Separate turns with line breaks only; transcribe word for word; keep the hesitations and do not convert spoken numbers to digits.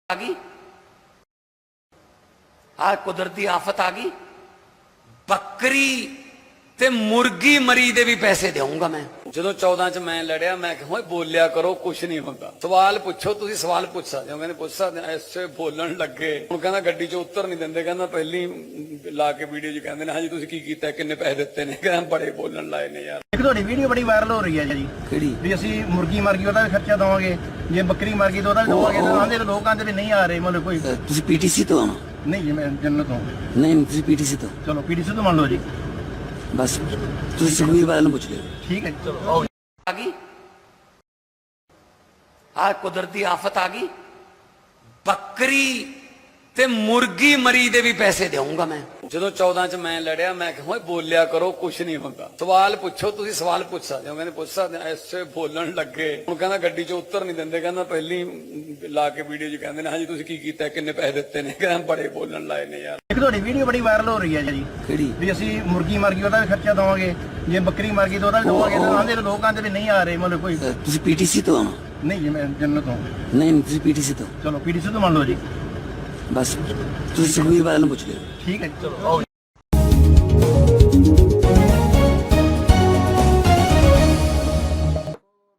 आ गई आ कुदरती आफत आ गई बकरी ते मुर्गी मरी दे भी पैसे देऊंगा मैं।
ਜਦੋਂ चौदह ਚ ਮੈਂ ਲੜਿਆ ਮੈਂ ਕਿਹਾ ਓਏ ਬੋਲਿਆ ਕਰੋ ਕੁਛ ਨਹੀਂ ਹੁੰਦਾ ਸਵਾਲ ਪੁੱਛੋ ਤੁਸੀਂ ਸਵਾਲ ਪੁੱਛ ਸਕਦੇ ਹੋ ਕਹਿੰਦੇ ਪੁੱਛ ਸਕਦੇ ਆ ਐਸੇ ਬੋਲਣ ਲੱਗੇ ਹੁਣ ਕਹਿੰਦਾ ਗੱਡੀ ਚੋਂ ਉੱਤਰ ਨਹੀਂ ਦਿੰਦੇ ਕਹਿੰਦਾ ਪਹਿਲੀ ਲਾ ਕੇ ਵੀਡੀਓ 'ਚ ਕਹਿੰਦੇ ਨੇ ਹਾਂਜੀ ਤੁਸੀਂ ਕੀ ਕੀਤਾ ਕਿੰਨੇ ਪੈਸੇ ਦਿੱਤੇ ਨੇ ਕਹਿੰਦਾ ਬੜੇ ਬੋਲਣ ਲਾਏ ਨੇ ਯਾਰ।
ਇੱਕ ਤੁਹਾਡੀ ਵੀਡੀਓ ਬੜੀ ਵਾਇਰਲ ਹੋ ਰਹੀ ਹੈ ਜੀ
ਕਿਹੜੀ
ਵੀ ਅਸੀਂ ਮੁਰਗੀ ਮਰ ਗਈ ਉਹਦਾ ਵੀ ਖਰਚਾ ਦਵਾਂਗੇ ਜੇ ਬੱਕਰੀ ਮਰ ਗਈ ਤਾਂ ਉਹਦਾ ਵੀ ਦਵਾਂਗੇ ਤਾਂ ਆਂਦੇ ਲੋਕਾਂ ਦੇ ਵੀ ਨਹੀਂ ਆ ਰਹੇ ਮਤਲਬ ਕੋਈ
ਤੁਸੀਂ ਪੀਟੀਸੀ ਤੋਂ ਆਣਾ
ਨਹੀਂ ਜੀ ਮੈਂ ਜੰਨਤ ਤੋਂ
ਨਹੀਂ ਤੁਸੀਂ ਪੀਟੀਸੀ ਤੋਂ
ਚਲੋ ਪੀਡੀਸੀ ਤੋਂ ਮੰਨ ਲਓ ਜੀ
ਬਸ ਤੁਸੀਂ ਸੁਖਵੀਰ ਬਾਦਲ ਨੂੰ ਪੁੱਛ ਲਿਓ
ਠੀਕ ਹੈ ਜੀ ਚਲੋ ਆਓ
आ गई आ कुदरती आफत आ गई बकरी ते मुर्गी मरी दे भी पैसे देऊंगा मैं।
ਜਦੋਂ चौदह ਚ ਮੈਂ ਲੜਿਆ ਮੈਂ ਕਿਹਾ ਓਏ ਬੋਲਿਆ ਕਰੋ ਕੁਛ ਨਹੀਂ ਹੁੰਦਾ ਸਵਾਲ ਪੁੱਛੋ ਤੁਸੀਂ ਸਵਾਲ ਪੁੱਛ ਸਕਦੇ ਹੋ ਕਹਿੰਦੇ ਪੁੱਛ ਸਕਦੇ ਆ ਐਸੇ ਬੋਲਣ ਲੱਗੇ ਹੁਣ ਕਹਿੰਦਾ ਗੱਡੀ ਚੋਂ ਉੱਤਰ ਨਹੀਂ ਦਿੰਦੇ ਕਹਿੰਦਾ ਪਹਿਲੀ ਲਾ ਕੇ ਵੀਡੀਓ 'ਚ ਕਹਿੰਦੇ ਨੇ ਹਾਂਜੀ ਤੁਸੀਂ ਕੀ ਕੀਤਾ ਕਿੰਨੇ ਪੈਸੇ ਦਿੱਤੇ ਨੇ ਕਹਿੰਦਾ ਬੜੇ ਬੋਲਣ ਲਾਏ ਨੇ ਯਾਰ।
ਇੱਕ ਤੁਹਾਡੀ ਵੀਡੀਓ ਬੜੀ ਵਾਇਰਲ ਹੋ ਰਹੀ ਹੈ ਜੀ
ਕਿਹੜੀ
ਵੀ ਅਸੀਂ ਮੁਰਗੀ ਮਰ ਗਈ ਉਹਦਾ ਵੀ ਖਰਚਾ ਦਵਾਂਗੇ ਜੇ ਬੱਕਰੀ ਮਰ ਗਈ ਤਾਂ ਉਹਦਾ ਵੀ ਦਵਾਂਗੇ ਤਾਂ ਆਂਦੇ ਲੋਕਾਂ ਦੇ ਵੀ ਨਹੀਂ ਆ ਰਹੇ ਮਤਲਬ ਕੋਈ
ਤੁਸੀਂ ਪੀਟੀਸੀ ਤੋਂ ਆਣਾ
ਨਹੀਂ ਜੀ ਮੈਂ ਜੰਨਤ ਤੋਂ
ਨਹੀਂ ਤੁਸੀਂ ਪੀਟੀਸੀ ਤੋਂ
ਚਲੋ ਪੀਡੀਸੀ ਤੋਂ ਮੰਨ ਲਓ ਜੀ
ਬਸ ਤੁਸੀਂ ਸੁਖਵੀਰ ਬਾਦਲ ਨੂੰ ਪੁੱਛ ਲਿਓ
ਠੀਕ ਹੈ ਜੀ ਚਲੋ ਆਓ